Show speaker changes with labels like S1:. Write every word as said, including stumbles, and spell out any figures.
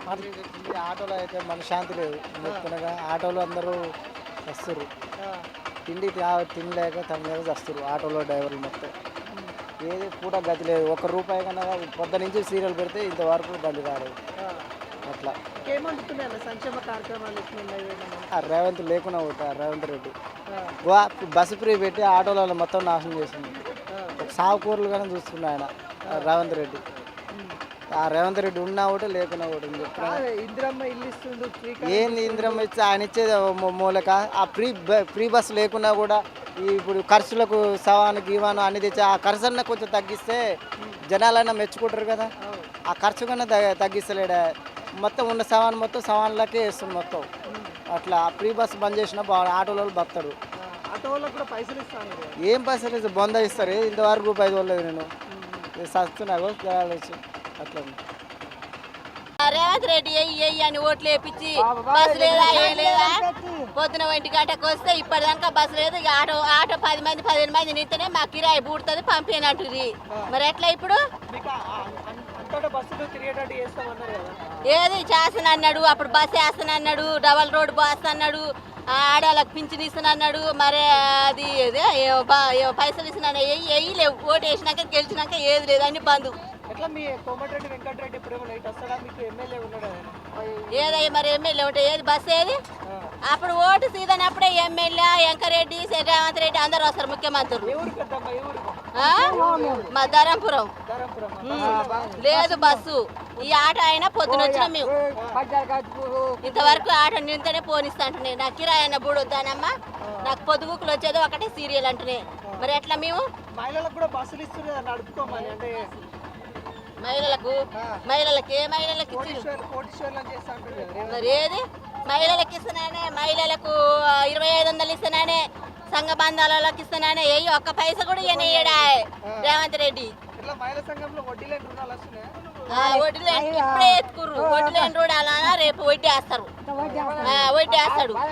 S1: ఆటోలో అయితే మన శాంతి లేదు చెప్తున్నాగా. ఆటోలో అందరూ వస్తారు, తిండి తా- తినలేక తినలేక వస్తారు ఆటోలో డ్రైవర్లు మొత్తం. ఏది పూట గతి లేదు. ఒక్క రూపాయి కన్నా పొద్దు నుంచి సీరియల్ పెడితే ఇంతవరకు బండి రాలేదు. అట్లా
S2: ఏమంటున్నాయి సంక్షేమ కార్యక్రమాలు ఎట్లున్నాయి ఏమన్నా?
S1: ఆ రేవంత్ లేకుండా పోతా రేవంత్ రెడ్డి వా బస్సు ఫ్రీ పెట్టి ఆటోలలో మొత్తం నాశనం చేసింది. ఒక సాగు కూరలు కానీ చూస్తున్నా ఆయన ఆ రేవంత్ రెడ్డి. ఆ రేవంత్ రెడ్డి ఉన్నా ఒకటి లేకున్నా ఒకటి అని చెప్తున్నా.
S2: కాదు, ఇందిరమ్మ ఇల్లు ఇస్తుండు ఫ్రీ కరెంట్
S1: ఏంది ఇంద్రం ఇచ్చి ఆయన ఇచ్చేది మూ- మూలక ఆ ఫ్రీ బ- ఫ్రీ బస్సు లేకున్నా కూడా ఈ ఇప్పుడు ఖర్చులకు సవాను గీవాను అన్ని తెచ్చి ఆ ఖర్చు అన్న కొంచెం తగ్గిస్తే జనాలన్నా మెచ్చుకుంటారు కదా. ఆ ఖర్చు కన్నా తగ్గ తగ్గిస్తలేడా. మొత్తం ఉన్న సవాన్ మొత్తం సవాన్లకే వేస్తుంది మొత్తం. అట్లా ఫ్రీ బస్సు బంద్ చేసినా బాగా ఆటోలో బతాడు.
S2: ఆటో వాళ్ళకి కూడా పైసలు ఇస్తాను కదా.
S1: ఏం పైసలు బొంద ఇస్తారు ఇంతవరకు రూపాయి చూడలేదు నేను. సస్తున్నాగో వచ్చి అట్లా ఉంది.
S3: రేవంత్ రెడ్డి ఎయ్యి ఎయ్యి అని ఓట్లు వేపించి బస్సు లేదా ఏం లేదా పొద్దున ఒంటి గంటకు వస్తే ఇప్పటిదాకా బస్సు లేదు. ఇక ఆటో ఆటో పది మంది పదిహేను మంది నింతనే మా కిరాయి బూడుతుంది పంపినట్టుది. మరి ఎట్లా ఇప్పుడు
S2: మీకు అంతటా బస్సులు తిరిగేటట్టు చేస్తామన్నారు కదా.
S3: ఏది చేస్తాను అన్నాడు, అప్పుడు బస్సు వేస్తాను అన్నాడు, డబల్ రోడ్ బస్ అన్నాడు, ఆడవాళ్ళకి పింఛన్ ఇస్తాను అన్నాడు. మరి అది ఏదే ఏ- బ- ఏ పైసలు ఇస్తున్నాను ఎయ్యి ఎయ్యి లేవు. ఓటు వేసినాక గెలిచినాక ఏది లేదు అన్ని బంధు.
S2: ఎట్లా మీ కోమటిరెడ్డి వెంకటరెడ్డి ఇప్పుడు ఏమో నైట్ వస్తాడా? మీకు ఎమ్మెల్యే ఉన్నాడు ఆయన.
S3: ఏదయ్య మరి ఎమ్మెల్యే ఉంటే ఏది బస్సు ఏది అప్పుడు ఓటు సీజన్ అప్పుడే ఎమ్మెల్యే వెంకరెడ్డి రేవంత్ రెడ్డి అందరు వస్తారు ముఖ్యమంత్రులు.
S2: ఏ ఊరు పెద్దమ్మ? ఏ ఊరు?
S3: ఆ? మా ధరంపురం
S2: ధరంపురం.
S3: లేదు బస్సు. ఈ ఆట అయినా పొద్దున వచ్చిన మేము ఇంతవరకు ఆట నింతనే పోనిస్తా అంటున్నాయి. నాకు కిరాయి అన్న బూడు వద్దానమ్మా, నాకు పొద్దుగుకులు వచ్చేది ఒకటే సీరియల్ అంటున్నాయి. మరి ఎట్లా మేము
S2: మహిళలకు కూడా బస్సులు ఇస్తుంది కదా నడుపుకోమని. అంటే
S3: మహిళలకు మహిళలకు ఏ మహిళలకు ఇచ్చి
S2: కోటీశ్వర్ కోటీశ్వర్లను చేస్తా అంటారు కదా.
S3: మరి ఏది మహిళలకు ఇస్తున్నానే, మహిళలకు ఇరవై ఐదు వందలు ఇస్తున్నానే, సంఘ బంధాలకు ఇస్తున్నానే. ఏ ఒక్క పైసా కూడా ఇయ్యడా రేవంత్ రెడ్డి.
S2: ఇట్లా మహిళా సంఘంలో వడ్డీ లేని రుణాలు వస్తున్నాయి.
S3: ఆ, వడ్డీ లేని ఇప్పుడే ఎత్తుకుర్రు. వడ్డీ లేని రుణాలన్నా రేపు వడ్డీ వేస్తారు, వడ్డీ వేస్తాడు.